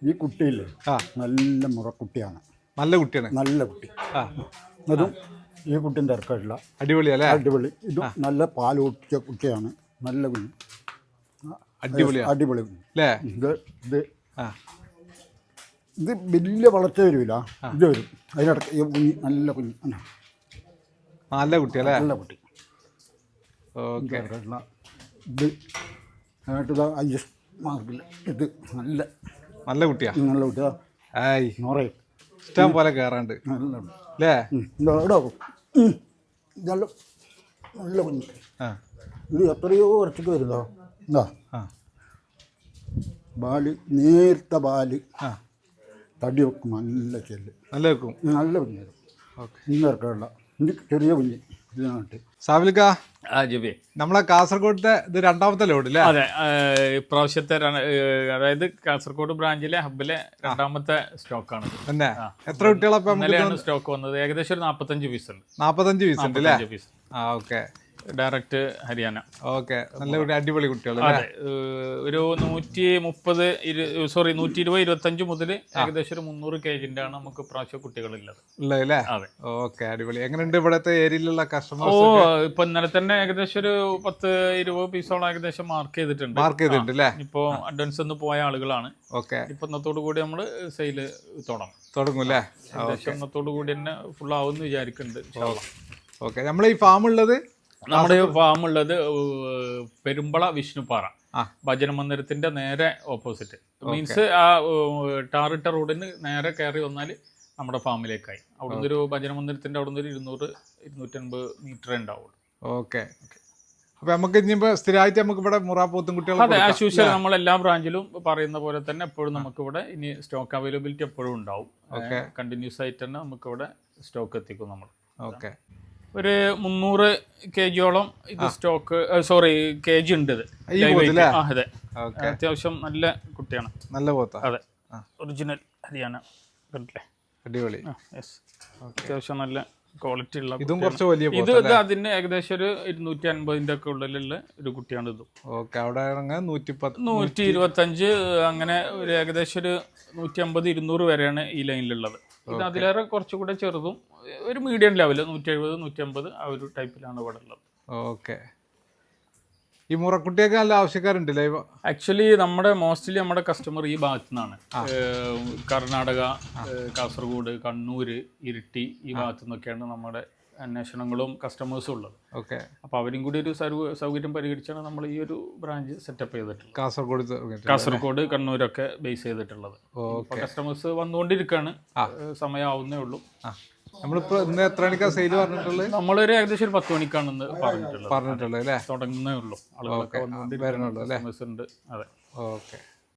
ഈ കുട്ടിയില്ലേ നല്ല മുറക്കുട്ടിയാണ്. നല്ല കുട്ടിയാണ്. നല്ല കുട്ടി. അതും ഈ കുട്ടിയും തിരക്കായിട്ടില്ല. അടിപൊളിയല്ലേ? അടിപൊളി. ഇതും നല്ല പാൽ കുട്ടിയ കുട്ടിയാണ്. നല്ല കുഞ്ഞ്. അടിപൊളി കുഞ്ഞ്. ഇത് വലിയ വളർച്ച വരില്ല. ഇത് വരും. അതിനിടയ്ക്ക് ഈ കുഞ്ഞ് നല്ല കുഞ്ഞ്. നല്ല കുട്ടിയല്ലേ? നല്ല കുട്ടി. ഓക്കെ. ഇത് ആയിട്ട് IS മാർക്കില്ല. ഇത് നല്ല നല്ല കുട്ടിയാ. നല്ല കുട്ടിയാ. ഇഷ്ടം പോലെ കയറാണ്ട് അല്ലേ? നല്ല നല്ല കുഞ്ഞ്. ഇത് എത്രയോ വർഷക്ക് വരുന്നോ. എന്താ ബാല് നേർത്ത ബാല് തടി വെക്കും. നല്ല ചെല്ല് നല്ല വെക്കും. നല്ല കുഞ്ഞ്. ഇന്നിറക്കാനുള്ള ഇത് ചെറിയ കുഞ്ഞ്. ഇതിനായിട്ട് സാബിലിക്ക നമ്മളെ കാസർഗോഡത്തെ ഇത് രണ്ടാമത്തെ ലോഡ് അല്ലേ? അതെ, ഇപ്രാവശ്യത്തെ അതായത് കാസർഗോഡ് ബ്രാഞ്ചിലെ ഹബിലെ രണ്ടാമത്തെ സ്റ്റോക്കാണ്. തന്നെ എത്ര കുട്ടികളാണ് സ്റ്റോക്ക് വന്നത്? ഏകദേശം ഒരു 45 പീസ് ഉണ്ട്. 45 പീസ് ഉണ്ട് അല്ലേ? ഓക്കെ. ഡയറക്റ്റ് ഹരിയാന. ഓക്കെ. നല്ല അടിപൊളി കുട്ടികൾ. അതെ, ഒരു 120-125 മുതൽ ഏകദേശം ഒരു 300 kg ആണ് നമുക്ക് പ്രാവശ്യം കുട്ടികളുള്ളത് ഉള്ളതല്ലേ? അതെ. ഓക്കെ, അടിപൊളി. എങ്ങനെയുണ്ട് ഇവിടത്തെ ഏരിയയിലുള്ള കസ്റ്റമേഴ്സ്? ഇപ്പൊ ഇന്നലെ തന്നെ ഏകദേശം ഒരു 10-20 പീസോളം ഏകദേശം മാർക്ക് ചെയ്തിട്ടുണ്ട് അല്ലേ? ഇപ്പൊ അഡ്വാൻസ് ഒന്ന് പോയ ആളുകളാണ്. ഓക്കെ. ഇപ്പൊ ഇന്നത്തോടു കൂടി നമ്മള് സെയില് തുടങ്ങും അല്ലേ? ഏകദേശം ഇന്നത്തോടു കൂടി തന്നെ ഫുൾ ആവുമെന്ന് വിചാരിക്കുന്നുണ്ട്. ഓക്കെ. നമ്മളെ ഈ ഫാം ഉള്ളത്, നമ്മുടെ ഫാം ഉള്ളത് പെരുമ്പള വിഷ്ണുപ്പാറ ഭജന മന്ദിരത്തിന്റെ നേരെ ഓപ്പോസിറ്റ്. മീൻസ് ആ ടാറിട്ട റോഡിന് നേരെ കയറി വന്നാൽ നമ്മുടെ ഫാമിലേക്കായി. അവിടുന്ന് ഒരു ഭജന മന്ദിരത്തിന്റെ അവിടുന്ന് ഒരു 200-250 മീറ്റർ ഉണ്ടാവുള്ളൂ. ഓക്കെ. അപ്പൊ നമുക്ക് ഇനിയിപ്പോ സ്ഥിരമായിട്ട് നമുക്ക് ഇവിടെ മുറാപ്പോത്തും കുട്ടികൾ. അതെ, ആസ് യൂഷ്വൽ നമ്മൾ എല്ലാ ബ്രാഞ്ചിലും പറയുന്ന പോലെ തന്നെ എപ്പോഴും നമുക്ക് ഇവിടെ ഇനി സ്റ്റോക്ക് അവൈലബിലിറ്റി എപ്പോഴും ഉണ്ടാവും. കണ്ടിന്യൂസ് ആയിട്ട് തന്നെ നമുക്ക് ഇവിടെ സ്റ്റോക്ക് എത്തിക്കും നമ്മൾ. ഓക്കെ. ഒരു 300 kg-യോളം ഇത് സ്റ്റോക്ക് kg ഉണ്ട്. അതെ, അത്യാവശ്യം നല്ല കുട്ടിയാണ്. നല്ല പോത്ത. അതെ, ഒറിജിനൽ ഹരിയാന. കണ്ടില്ലേ? അടിപൊളി. അത്യാവശ്യം നല്ല ക്വാളിറ്റി ഉള്ള. ഇതും കുറച്ച് വലിയ ഇത് അതിന് ഏകദേശം ഒരു 250 ഒക്കെ ഉള്ളിലുള്ള ഒരു കുട്ടിയാണ് ഇതും. ഓക്കെ. അവിടെ 125 അങ്ങനെ ഒരു ഏകദേശം ഒരു 150-200 വരെയാണ് ഈ ലൈനിലുള്ളത്. ഇത് അതിലേറെ കുറച്ചുകൂടെ ചെറുതും ഒരു മീഡിയം ലെവല് 170-150 ആ ഒരു ടൈപ്പിലാണ് ഇവിടെ ഉള്ളത്. ഓക്കെ. ഈ മുറക്കുട്ടിയൊക്കെ നല്ല ആവശ്യക്കാരുണ്ടല്ലേ? ആക്ച്വലി മോസ്റ്റ്ലി നമ്മുടെ കസ്റ്റമർ ഈ ഭാഗത്തു നിന്നാണ്. കർണാടക, കാസർഗോഡ്, കണ്ണൂര്, ഇരിട്ടി ഈ ഭാഗത്തു നിന്നൊക്കെയാണ് നമ്മുടെ അന്വേഷണങ്ങളും കസ്റ്റമേഴ്സും ഉള്ളത്. ഓക്കെ. അപ്പോൾ അവരും കൂടി ഒരു സൗകര്യം പരിഗണിച്ചാണ് നമ്മൾ ഈ ഒരു ബ്രാഞ്ച് സെറ്റപ്പ് ചെയ്തിട്ടുള്ളത്. കാസർഗോഡ്, കണ്ണൂരൊക്കെ ബേസ് ചെയ്തിട്ടുള്ളത്. കസ്റ്റമേഴ്സ് വന്നുകൊണ്ടിരിക്കുകയാണ്. സമയമാവുന്നേ ഉള്ളൂ. നമ്മളിപ്പോ ഇന്ന് എത്ര മണിക്കാണ് സെയിൽ പറഞ്ഞിട്ടുള്ളത്? നമ്മളൊരു ഏകദേശം ഒരു 10 മണിക്കാണെന്ന് പറഞ്ഞിട്ടുള്ളത് അല്ലേ? തുടങ്ങുന്നേ ഉള്ളൂ. ആളുകളൊക്കെ വന്നുകൊണ്ടിരിക്കുന്നുണ്ട്. അല്ലേ? അതെ. ഓക്കെ.